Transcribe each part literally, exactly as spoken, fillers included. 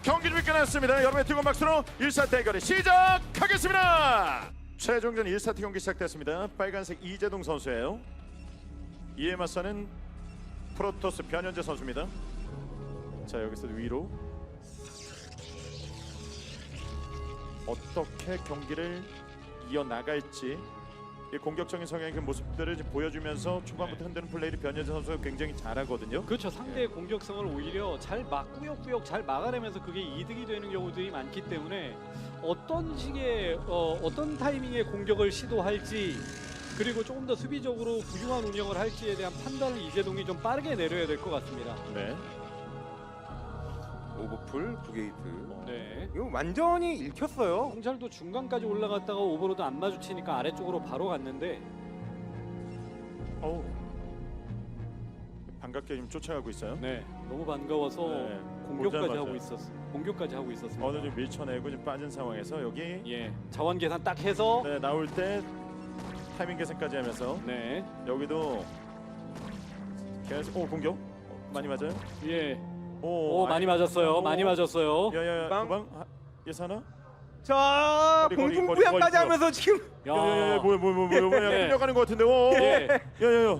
경기 좀 끝났습니다. 여러분의 뜨거운 박수로 일 사 대결이 시작하겠습니다. 최종전 일 사트 경기 시작됐습니다. 빨간색 이재동 선수예요. 이에 맞서는 프로토스 변현재 선수입니다. 자, 여기서 위로 어떻게 경기를 이어나갈지, 이 공격적인 성향의 그 모습들을 이제 보여주면서 초반부터 흔드는 플레이를 변현재 선수가 굉장히 잘하거든요. 그렇죠. 상대의 공격성을 오히려 잘 막 꾸역꾸역 잘 막아내면서 그게 이득이 되는 경우들이 많기 때문에 어떤 식의 어, 어떤 타이밍에 공격을 시도할지, 그리고 조금 더 수비적으로 부유한 운영을 할지에 대한 판단을 이재동이 좀 빠르게 내려야 될 것 같습니다. 네. 오버풀 구 게이트. 네. 이거 완전히 읽혔어요. 홍철도 중간까지 올라갔다가 오버로드 안 마주치니까 아래쪽으로 바로 갔는데, 어우. 반갑게 지금 쫓아가고 있어요. 네, 너무 반가워서 네. 공격까지 오자마자. 하고 있었어. 공격까지 하고 있었습니다. 어느 좀 밀쳐내고 좀 빠진 상황에서 여기 예, 자원 계산 딱 해서 네, 나올 때 타이밍 계산까지 하면서 네, 여기도 계속 오 공격 어, 많이 맞아요? 예, 오, 오 많이 맞았어요. 오. 많이 맞았어요. 야야야 빵. 도방 하- 예사나? 자, 거리, 거리, 공중부양까지 거리, 거리. 하면서 지금 야야야 뭐야 뭐야 뭐야 뭐야 예. 끌려가는 것 같은데. 오. 예. 야야야.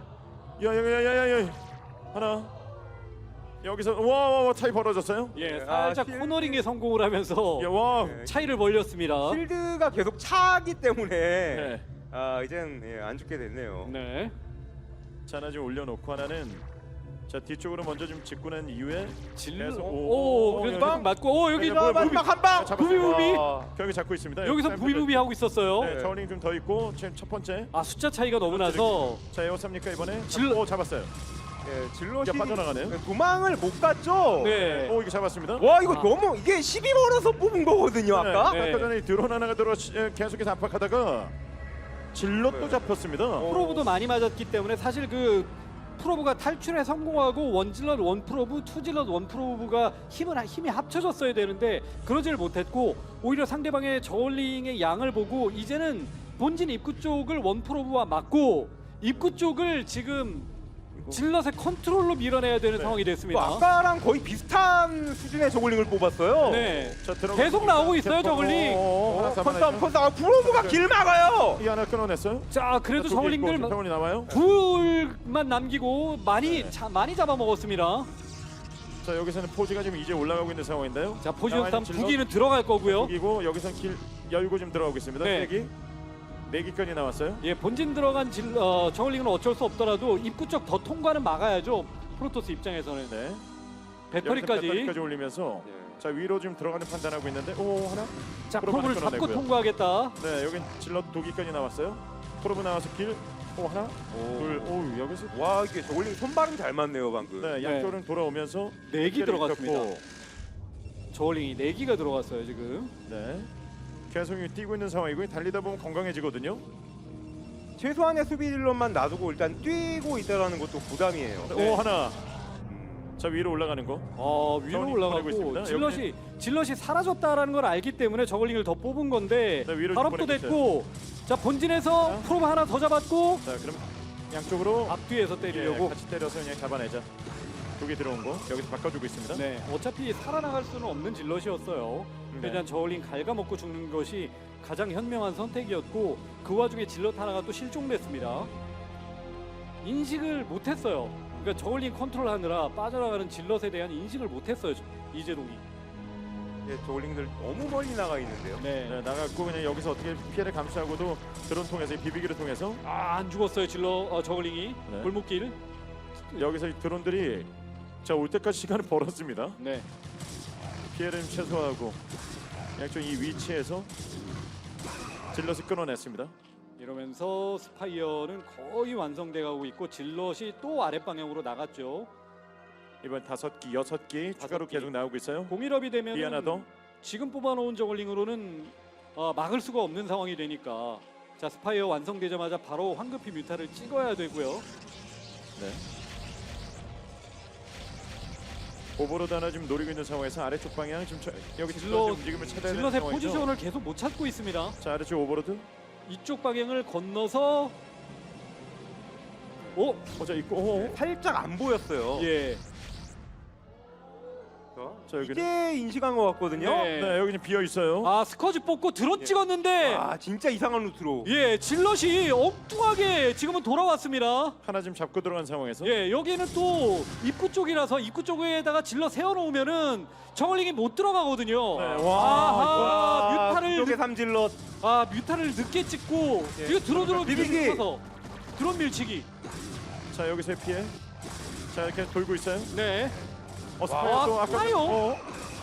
야야야야야야. 하나. 여기서 와와와 차이 벌어졌어요? 예, 아, 살짝 실- 코너링에 성공을 하면서 야 와. 네. 차이를 벌렸습니다. 필드가 계속 차기 때문에 네. 아 이젠 예, 안 죽게 됐네요. 네, 자, 하나 좀 올려놓고 하나는 자 뒤쪽으로 먼저 좀 짚고 난 이후에 질, 계속- 오, 오, 오, 그래서 오, 막 맞고, 오 여기 야, 뭐야, 뭐야. 마지막 한 방. 잡았어요. 부비부비. 와, 경기 잡고 있습니다. 여기서 여기 부비부비 하고 있었어요. 네, 저울링 좀 더 있고 지금 첫 번째. 아, 숫자 차이가 너무 나서 자, 에어삽니까 이번에? 질- 오, 잡았어요. 예, 질럿이 이제 빠져나가네요. 도망을 못 갔죠. 네, 오, 이거 잡았습니다. 와 이거 아. 너무 이게 십이 번에서 뽑은 거거든요 아까. 네. 아까 전에 이 드론 하나가 들어 예, 계속해서 압박하다가 질럿도 네. 잡혔습니다. 프로브도 많이 맞았기 때문에 사실 그 프로브가 탈출에 성공하고 원질럿 원 프로브, 투질럿 원 프로브가 힘을 힘이 합쳐졌어야 되는데 그러지를 못했고, 오히려 상대방의 저울링의 양을 보고 이제는 본진 입구 쪽을 원 프로브와 맞고 입구 쪽을 지금 질럿의 컨트롤로 밀어내야 되는 네. 상황이 뭐 됐습니다. 아까랑 거의 비슷한 수준의 저글링을 뽑았어요. 네, 자, 들어가고 계속 있습니다. 나오고 있어요, 저글링. 오, 오, 하나 어, 잡아냈죠. 컨싸움 컨싸움. 아, 브로브가 길 막아요. 이 하나 끊어냈어요. 자, 그래도 자, 독이 있고 저울링들 병원이 나와요. 둘만 남기고 많이 네. 자, 많이 잡아먹었습니다. 자, 여기서는 포지가 지금 이제 올라가고 있는 상황인데요. 자, 포지션 나와 싸움 있는 질럿. 부기는 들어갈 거고요. 이고 여기선 길 열고 좀 들어가고 있습니다. 네. 네 기. 네 기까지 나왔어요. 예, 본진 들어간 질, 어, 저글링은 어쩔 수 없더라도 입구 쪽 더 통과는 막아야죠. 프로토스 입장에서는 네. 배터리까지. 배터리까지 올리면서 예. 자, 위로 지금 들어가는 판단하고 있는데 오, 하나. 자, 프로브 프로브를 하나 잡고 끊어내고요. 통과하겠다. 네, 여긴 질럿 두 기까지 나왔어요. 프로브 나와서 길. 오, 하나. 둘. 오, 여기서 와 이게 저글링 손발음 잘 맞네요 방금. 네, 양쪽은 돌아오면서 네 기 길을 들어갔습니다. 겹고, 저글링이 네 기가 들어갔어요 지금. 네. 계속 뛰고 있는 상황이고 달리다 보면 건강해지거든요. 최소한의 수비 딜러만 놔두고 일단 뛰고 있다라는 것도 부담이에요. 네. 오, 하나. 음, 자, 위로 올라가는 거. 어, 위로 저글링 보내고 올라가고 있습니다. 질럿이 질럿이 사라졌다라는 걸 알기 때문에 저글링을 더 뽑은 건데 네, 위로 발업도 보내고 됐고, 자 본진에서 자. 프로브 하나 더 잡았고 자, 그럼 양쪽으로 앞뒤에서 예, 때리려고. 같이 때려서 그냥 잡아내자. 두개 들어온 거 여기서 바꿔주고 있습니다. 네, 어차피 살아나갈 수는 없는 질럿이었어요. 네. 일단 저울링 갉아먹고 죽는 것이 가장 현명한 선택이었고, 그 와중에 질럿 하나가 또 실종됐습니다. 인식을 못했어요. 그러니까 저울링 컨트롤하느라 빠져나가는 질럿에 대한 인식을 못했어요, 저- 이재동이. 예, 저글링들 너무 멀리 나가 있는데요. 네. 네, 나갔고 그냥 여기서 어떻게 피해를 감수하고도 드론 통해서 비비기를 통해서 아, 안 죽었어요, 질럿 어, 저울링이. 네. 골목길. 여기서 이 드론들이 자 올 때까지 시간을 벌었습니다. 네. 피해를 좀 최소화하고 양쪽 이 위치에서 질럿을 끊어냈습니다. 이러면서 스파이어는 거의 완성돼 가고 있고, 질럿이 또 아랫방향으로 나갔죠. 이번 다섯 기, 여섯 기 추가로 기. 계속 나오고 있어요. 공일업이 되면 이 하나 더. 지금 뽑아놓은 저글링으로는 어, 막을 수가 없는 상황이 되니까, 자 스파이어 완성되자마자 바로 황급히 뮤타를 찍어야 되고요. 네. 오버로드 하나 지금 노리고 있는 상황에서 아래쪽 방향 지금 저, 여기 질럿 질럿- 움직임을 찾아야 되는 질럿의 상황이죠. 포지션을 계속 못 찾고 있습니다. 자, 아래쪽 오버로드. 이쪽 방향을 건너서 오, 어자 있고. 오, 오. 살짝 안 보였어요. 예. 자, 자 여기는 이제 인식한 것 같거든요. 네. 네 여기 는 비어 있어요. 아 스커지 뽑고 드론 찍었는데 아 진짜 이상한 루트로. 예 질럿이 엉뚱하게 지금은 돌아왔습니다. 하나 지금 잡고 들어간 상황에서. 예 여기는 또 입구 쪽이라서 입구 쪽에다가 질럿 세워놓으면은 저글링이 못 들어가거든요. 네, 아하 와, 뮤타를 쪽에 삼질럿. 아 뮤타를 늦게 찍고 예. 이거 드론으로 밀치기. 밀치면서 드론 밀치기. 자 여기서 피해. 자 이렇게 돌고 있어요. 네. 어 스파이어도 와, 아까 스파이어? 어.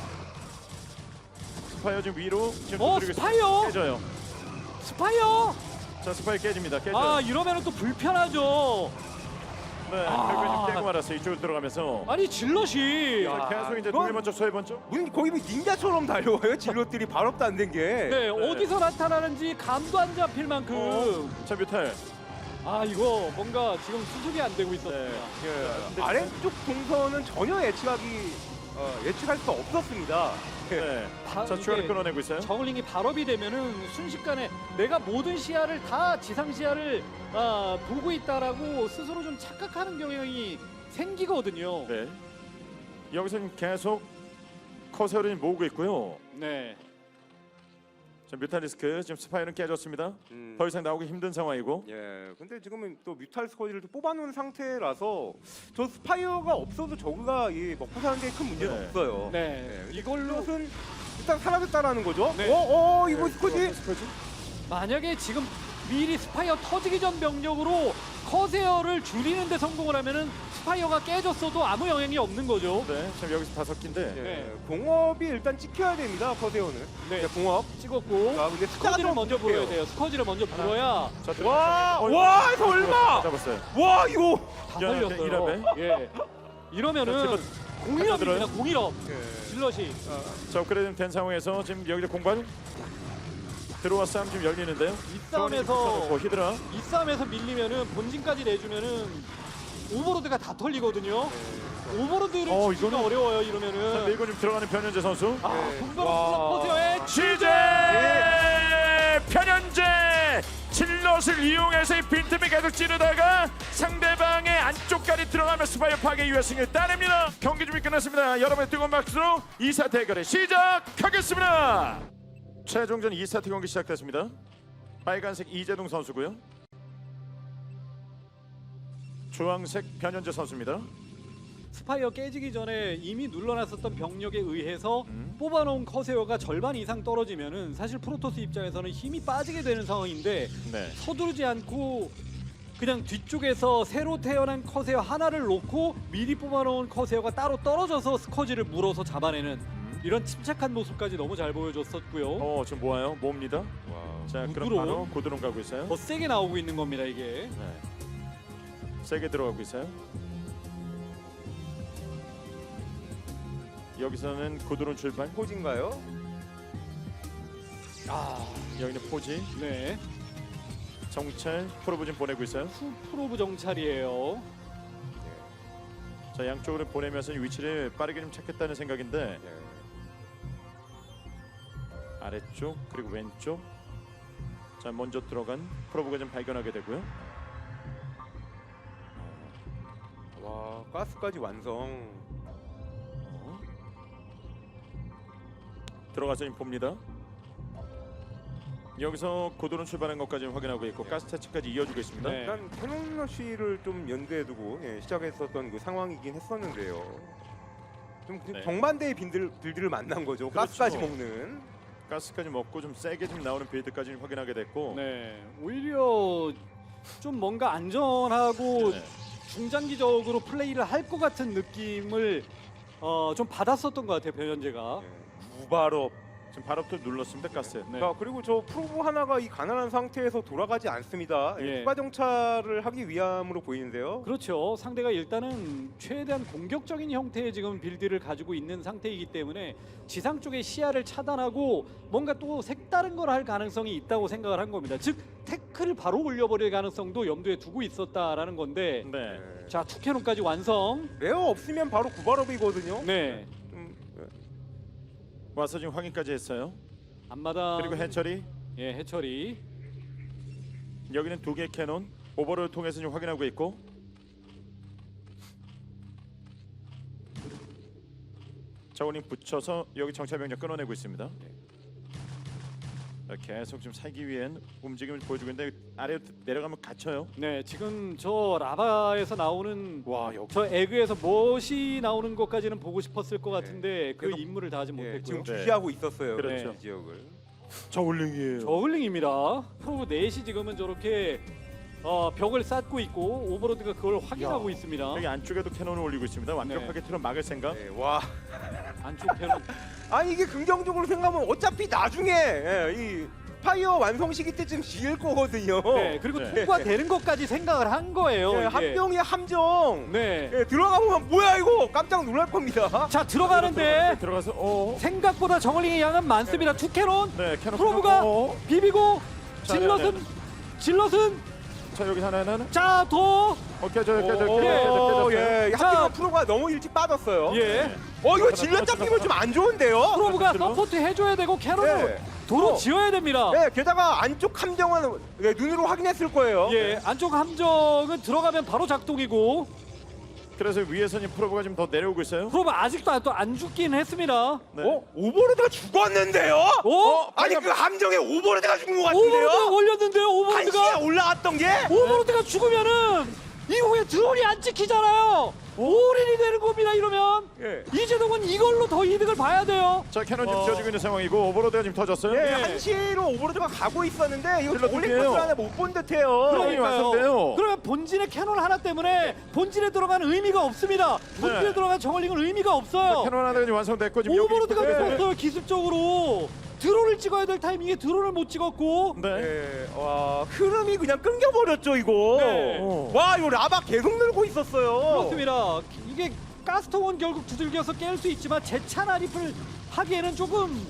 스파이어 지금 위로 지금 어, 두드리고 있어요. 스파이어? 깨져요. 스파이어. 자 스파이어 깨집니다. 깨져요. 아 이러면은 또 불편하죠. 네 아. 결국에 좀 깨고 말았어요. 이쪽으로 들어가면서. 아니 질럿이 자, 계속 이제 그건- 동해 번쩍 서해 번쩍. 무슨 거기 뭐 닌자처럼 달려와요. 질럿들이 발업도 안 된 게. 네, 어디서 나타나는지 감도 안 잡힐 만큼 어. 자 뮤탈. 아 이거 뭔가 지금 수습이 안 되고 있었습니다. 네. 예, 아래쪽 동선은 전혀 예측하기 어, 예측할 수 없었습니다. 네. 바- 자 추가로 이게 끊어내고 있어요. 저글링이 발업이 되면은 순식간에 내가 모든 시야를 다 지상 시야를 아, 보고 있다라고 스스로 좀 착각하는 경향이 생기거든요. 네. 여기서는 계속 커세어를 모으고 있고요. 네. 자 뮤탈리스크 지금 스파이어는 깨졌습니다. 음, 더 이상 나오기 힘든 상황이고. 예, 근데 지금은 또 뮤탈 스쿼지를 또 뽑아놓은 상태라서 저 스파이어가 없어도 저그가 이 먹고 사는 데 큰 문제는 네. 없어요. 네. 예, 이걸로 이것은 일단 사라졌다라는 거죠. 네. 어, 어, 이거 네, 스쿼지. 스파이어? 만약에 지금 미리 스파이어 터지기 전 병력으로 커세어를 줄이는 데 성공을 하면은 스파이어가 깨졌어도 아무 영향이 없는 거죠. 네. 지금 여기서 다섯 개인데. 예, 네. 공업이 일단 찍혀야 됩니다. 커세어는. 네. 네, 공업. 찍었고 아, 근데 숫자가 스커지를 좀 먼저 부족해요. 불어야 돼요. 스커지를 먼저 불어야 자, 와, 어, 와, 설마. 잡았어요. 와, 이거. 다 야, 살렸어요. 일합에? 예. 이러면은 공일업입니다. 공일업. 예. 질럿이 자, 업그레이드 된 상황에서 지금 여기서 공간 들어와 싸움 지금 열리는데요. 이 싸움에서 뭐 히드라. 이 싸움에서 밀리면은 본진까지 내주면은 오버로드가 다 털리거든요. 오버로드를 어, 치기가 이거는- 어려워요. 자, 이러면은 밀고 좀 들어가는 변현재 선수. 아, 네. 분바로 와. 포세어의 취재 변현재 질럿을 이용해서 이 빈틈을 계속 찌르다가 상대방의 안쪽까지 들어가며 스파이어 파괴 이후의 승리를 따냅니다. 경기 준비 끝났습니다. 여러분의 뜨거운 박수로 이 사 대결을 시작하겠습니다. 최종전 이 세트 경기 시작됐습니다. 빨간색 이재동 선수고요. 주황색 변현재 선수입니다. 스파이어 깨지기 전에 이미 눌러놨었던 병력에 의해서 음. 뽑아놓은 커세어가 절반 이상 떨어지면은 사실 프로토스 입장에서는 힘이 빠지게 되는 상황인데 네. 서두르지 않고 그냥 뒤쪽에서 새로 태어난 커세어 하나를 놓고 미리 뽑아놓은 커세어가 따로 떨어져서 스커지를 물어서 잡아내는 이런 침착한 모습까지 너무 잘 보여줬었고요. 어 지금 뭐예요? 뭡니다. 와. 자 그럼 구드론. 바로 고드론 가고 있어요. 더 세게 나오고 있는 겁니다 이게. 네. 세게 들어가고 있어요. 여기서는 고드론 출발. 포진가요? 아, 여기는 포지. 네. 정찰 프로브진 보내고 있어요. 후 프로브 정찰이에요. 자 양쪽으로 보내면서 위치를 빠르게 좀 찾겠다는 생각인데 예. 아래쪽 그리고 왼쪽. 자 먼저 들어간 프로브가 좀 발견하게 되고요. 와, 가스까지 완성. 어. 들어가서 좀 봅니다. 여기서 고도론 출발한 것까지 확인하고 있고 가스 채취까지 이어주고 있습니다. 네. 일단 캐논러쉬를 좀 연대에 두고 예, 시작했었던 그 상황이긴 했었는데요. 좀 그 네. 정반대의 빈들, 들들을 만난 거죠. 그렇죠. 가스까지 먹는. 가스까지 먹고 좀 세게 좀 나오는 빌드까지 좀 확인하게 됐고. 네. 오히려 좀 뭔가 안전하고 네. 중장기적으로 플레이를 할 것 같은 느낌을 어, 좀 받았었던 것 같아요 변현재가. 예, 무발업. 지금 발업도 눌렀습니다. 가스. 네. 자, 그리고 저 프로브 하나가 이 가난한 상태에서 돌아가지 않습니다. 예, 예. 추가 정찰을 하기 위함으로 보이는데요. 그렇죠. 상대가 일단은 최대한 공격적인 형태의 지금 빌드를 가지고 있는 상태이기 때문에 지상 쪽의 시야를 차단하고 뭔가 또 색다른 걸 할 가능성이 있다고 생각을 한 겁니다. 즉 태클을 바로 올려버릴 가능성도 염두에 두고 있었다라는 건데 네. 예. 자 투캐논까지 완성. 레어 없으면 바로 구발업이거든요. 네. 좀, 예. 와서 지금 확인까지 했어요. 앞마당 그리고 해철이 예 해철이 여기는 두 개의 캐논 오버를 통해서 지금 확인하고 있고. 저울링 붙여서 여기 정찰병력 끊어내고 있습니다. 자, 계속 좀 살기 위한 움직임을 보여주고 있는데 아래로 내려가면 갇혀요. 네, 지금 저 라바에서 나오는 와 여기 저 에그에서 멋이 나오는 것까지는 보고 싶었을 것 같은데 그 그래서- 임무를 다하지 예, 못했고요. 지금 네. 주시하고 있었어요. 그렇죠. 이 지역을. 저울링이에요. 저글링입니다. 프로브 넷이 지금은 저렇게 어, 벽을 쌓고 있고 오버로드가 그걸 확인하고 야. 있습니다. 여기 안쪽에도 캐논을 올리고 있습니다. 완벽하게 틀어 막을 생각. 네, 와. 안쪽 편은 아니 이게 긍정적으로 생각하면 어차피 나중에 예, 이 파이어 완성 시기 때쯤 지을 거거든요. 네, 그리고 네. 통과되는 것까지 생각을 한 거예요. 예, 이게. 합병이 함정. 네. 예, 들어가 보면 뭐야 이거 깜짝 놀랄 겁니다. 자 들어가는데 들어가서 어. 생각보다 저글링의 양은 많습니다. 투캐논 네, 캐논 프로브가 어. 비비고 자, 질럿은 네, 질럿은 자 여기 하나 하나. 자더 오케이 저 여기 오, 저 오, 여기. 예, 자. 합병 프로가 너무 일찍 빠졌어요. 예. 어 이거 질러 잡히면 좀 안 좋은데요. 프로브가 질럿? 서포트 해줘야 되고 캐논을 네. 도로 어. 지어야 됩니다. 네, 게다가 안쪽 함정은 예, 눈으로 확인했을 거예요. 예, 안쪽 함정은 들어가면 바로 작동이고 그래서 위에서는 프로브가 지금 더 내려오고 있어요. 프로브 아직도 안, 또 안 죽긴 했습니다. 네. 어? 오버로드가 죽었는데요? 오? 아니 그 함정에 오버로드가 죽은 것 같은데요? 오버로드가 올렸는데요. 한시에 오버로드가 올라왔던 게? 오버로드가 죽으면은 이후에 드론이 안 찍히잖아요. 올인이 되는 겁니다. 이러면 예. 이재동은 이걸로 더 이득을 봐야 돼요. 자 캐논 지금 어. 지어지고 있는 상황이고 오버로드가 지금 터졌어요. 예, 네. 한시로 오버로드가 가고 있었는데 이거 질러 올린 두 코스 안에 못 본 듯해요. 그러니까요. 완성돼요. 그러면 본진의 캐논 하나 때문에 본진에 들어가는 의미가 없습니다. 본진에 네. 들어간 저글링은 의미가 없어요. 캐논 하나가 지금 완성됐고 지금 여기 오버로드가 있고, 네. 죽었어요. 기습적으로 드론을 찍어야 될 타이밍에 드론을 못 찍었고 네. 예, 와 흐름이 그냥 끊겨버렸죠 이거. 네. 어. 와 이거 라바 계속 늘고 있었어요. 그렇습니다. 이게 가스통은 결국 두들겨서 깰 수 있지만 재차 난입을 하기에는 조금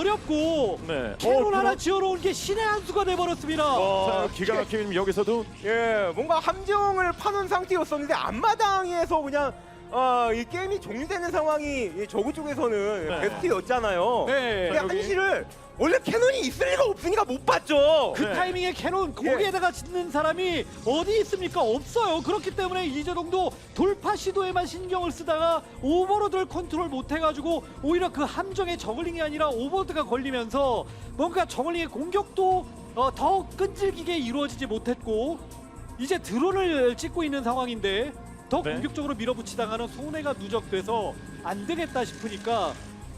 어렵고 네. 캐논 어, 하나 그럼- 지어놓은 게 신의 한 수가 돼버렸습니다. 와, 자, 기가 막히게 지금 여기서도 예, 뭔가 함정을 파놓은 상태였었는데 앞마당에서 그냥 어, 이 게임이 종료되는 상황이 이 저구 쪽에서는 네. 베스트였잖아요. 네. 근데 여기- 한시를 원래 캐논이 있을 리가 없으니까 못 봤죠. 그 네. 타이밍에 캐논 예. 거기에다가 짓는 사람이 어디 있습니까? 없어요. 그렇기 때문에 이재동도 돌파 시도에만 신경을 쓰다가 오버로드를 컨트롤 못해가지고 오히려 그 함정에 저글링이 아니라 오버로드가 걸리면서 뭔가 저글링의 공격도 어, 더 끈질기게 이루어지지 못했고 이제 드론을 찍고 있는 상황인데 더 네. 공격적으로 밀어붙이다가는 손해가 누적돼서 안 되겠다 싶으니까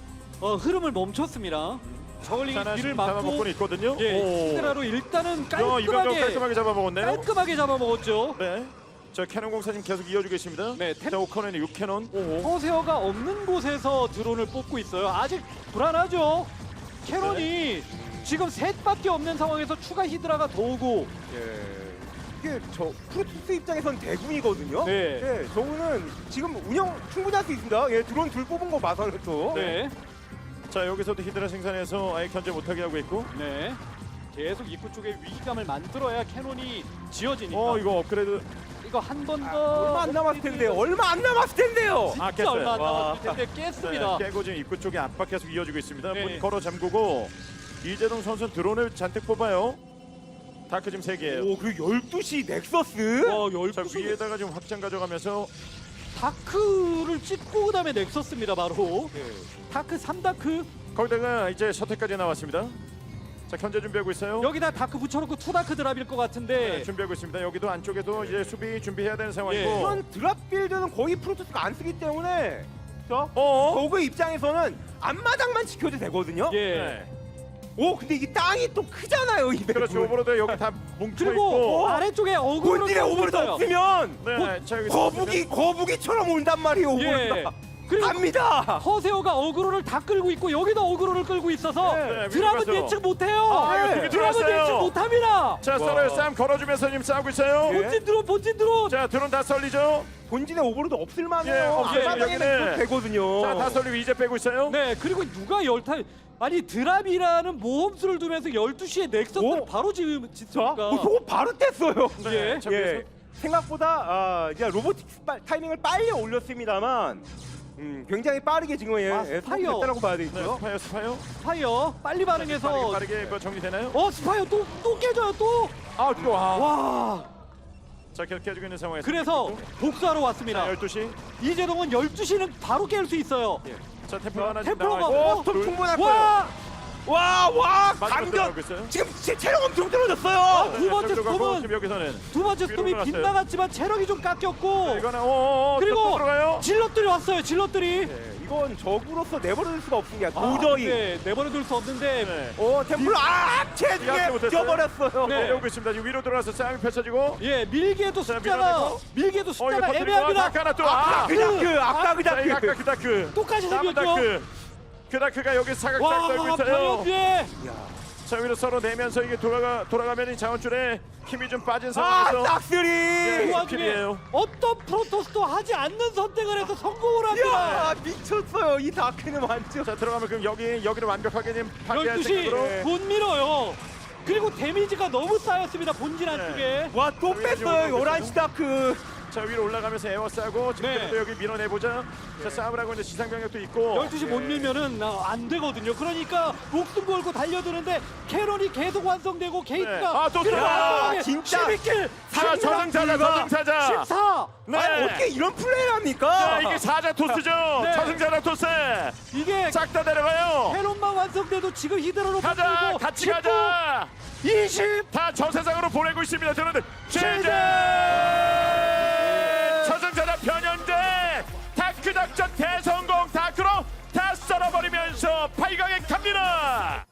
어, 흐름을 멈췄습니다. 저글링이 하나 뒤를 지금 막고 잡아먹고는 있거든요. 예, 오. 히드라로 일단은 야, 이병력 깔끔하게 깔끔하게 잡아먹었네요. 깔끔하게 잡아먹었죠. 네. 자 캐논 공사 지금 계속 이어주고 있습니다. 네, 템- 자 오커넨이 육 캐논. 허세어가 없는 곳에서 드론을 뽑고 있어요. 아직 불안하죠. 캐논이 지금 셋밖에 없는 상황에서 추가 히드라가 더 오고 예. 이게 저 프로토스 입장에선 대군이거든요. 네. 예, 저거는 지금 운영 충분히 할 수 있습니다. 예, 드론 둘 뽑은 거 봐서는 또. 네, 자 여기서도 히드라 생산해서 아예 견제 못하게 하고 있고. 네. 계속 입구 쪽에 위기감을 만들어야 캐논이 지어지니까 어 이거 업그레이드. 이거 한 번 더 얼마 안 남았을 텐데요. 얼마 안 남았을 텐데요. 아, 진짜 얼마 안 깼어요. 남았을 텐데 깼습니다. 네, 깨고 지금 입구 쪽에 압박 계속 이어지고 있습니다. 네. 문 걸어 잠그고 이재동 선수는 드론을 잔뜩 뽑아요. 다크 지금 세 개예요. 오, 그리고 열두 시 넥서스? 와, 자 열두 시 위에다가 지금 확장 가져가면서 다크를 찍고 그다음에 넥서스입니다. 바로 예. 다크 삼 다크 거기다가 이제 셔틀까지 나왔습니다. 자 견제 준비하고 있어요. 여기다 다크 붙여놓고 투 다크 드랍일 것 같은데 네, 준비하고 있습니다. 여기도 안쪽에도 이제 수비 준비해야 되는 상황이고. 예. 이런 드랍 빌드는 거의 프로토스가 안 쓰기 때문에 저 어? 저그 입장에서는 앞마당만 지켜도 되거든요. 예. 네. 오, 근데 이게 땅이 또 크잖아요, 이 맵은. 그렇죠. 오버로드 여기 다 뭉쳐 그리고 있고. 아래쪽에 어그로를 본진에 끌고 오버로드 있어요. 없으면 네. 자 여기 거북이 거북이처럼 온단 말이에요, 예. 오버로드가. 그리고 갑니다. 허세호가 어그로를 다 끌고 있고 여기도 어그로를 끌고 있어서 네, 드랍은 위로 가서. 예측 못해요. 아, 이거 네. 되게 드랍은 들어왔어요. 예측 못합니다. 자 썰어요. 싸움 걸어주면서 지금 싸우고 있어요. 예. 본진 드론 본진 드론. 자 드론 다 썰리죠. 본진에 오버로드 없을 예, 만해요. 없어요. 앞마당에는 여기는. 이렇게 되거든요. 자 다 썰리고 이제 빼고 있어요. 네 그리고 누가 열타 아니 드랍이라는 모험수를 두면서 열두 시에 넥서스를 오. 바로 지금 자, 짓습니까? 어, 저거 바로 뗐어요. 네. 예. 자, 예. 위에서. 생각보다 아, 이제 로보틱스 빠- 타이밍을 빨리 올렸습니다만 음, 굉장히 빠르게 지금 예, 아, 예, 스파이어. 됐다라고 봐야 네, 되겠고요. 스파이어 스파이어. 스파이어 빨리 반응해서 빠르게 빠르게 뭐 정리되나요? 어 스파이어 또 또 깨져요 또. 아 또. 와. 와 자 계속 깨지고 있는 상황에서. 그래서 복수하러 왔습니다. 자 열두 시. 이재동은 열두 시는 바로 깰 수 있어요. 예. 자 템플 하나 지금 템플러가 나와 있고. 어? 스톰 충분할 와! 거예요. 와, 와, 마지막 강전. 들어가고 있어요. 지금 제 체력 엄청 떨어졌어요. 두 번째 저기로 가고 스톰은 지금 여기서는 두 번째 위로 스톰이 올라갔어요. 빗나갔지만 체력이 좀 깎였고 이거는 오오오 그리고 들어가요. 질럿들이 왔어요. 질럿들이. 네, 이건 적으로서 내버려둘 수가 없는 게 아, 도저히. 네, 내버려둘 수 없는데 네. 오, 템플러 아, 체중에 이해하지 못했어요. 뛰어버렸어요. 네. 내려오고 있습니다. 지금 위로 들어가서 싸움이 펼쳐지고. 예, 밀기에도 자, 숫자가 밀어내고. 밀기에도 어 이거 숫자가 터뜨리고 애매합니다. 다크 하나 또. 아까 아, 그 다크, 아까 그 자, 이거 아까 다크. 그 다크. 똑같이 남은 생겼죠. 다크. 그 다크가 여기 사각사각 와, 떨고 있어요. 변현재. 자 위로 서로 내면서 이게 돌아가 돌아가면 이 자원줄에 힘이 좀 빠진 아, 상황에서 싹쓸이. 예. 그 와중에 스킬이에요. 어떤 프로토스도 하지 않는 선택을 해서 성공을 합니다. 야, 미쳤어요. 이 다크는 완전. 자 들어가면 그럼 여기 여기를 완벽하게 지금 파괴할 열두 시 생각으로. 네. 못 밀어요. 그리고 데미지가 너무 쌓였습니다. 본진 네. 안쪽에. 와, 또 여기가 지금 뺐어요. 올라오고 열한 시 다크. 자 위로 올라가면서 에워싸고 지금 네. 또 여기 밀어내보자. 자 싸움을 하고 이제 지상병력도 있고. 열두 시 못 밀면은 어, 안 되거든요. 그러니까 목숨 걸고 달려드는데 캐런이 계속 완성되고 게이트가 아, 또 그리고 들어와. 완성돼. 진짜. 십이 킬 자 저승사자 저승사자. 십사. 네. 아니, 어떻게 이런 플레이를 합니까? 자 이게 사자 토스죠. 네. 저승사자 토스. 이게 싹 다 내려가요. 캐런만 완성돼도 지금 히드라로 가자 붙들고 같이 십구, 가자. 이십. 다 저 세상으로 보내고 있습니다. 저는 제재 저승사자 변현재 다크 작전 대성공. 다크로 다 썰어버리면서 팔 강에 갑니다.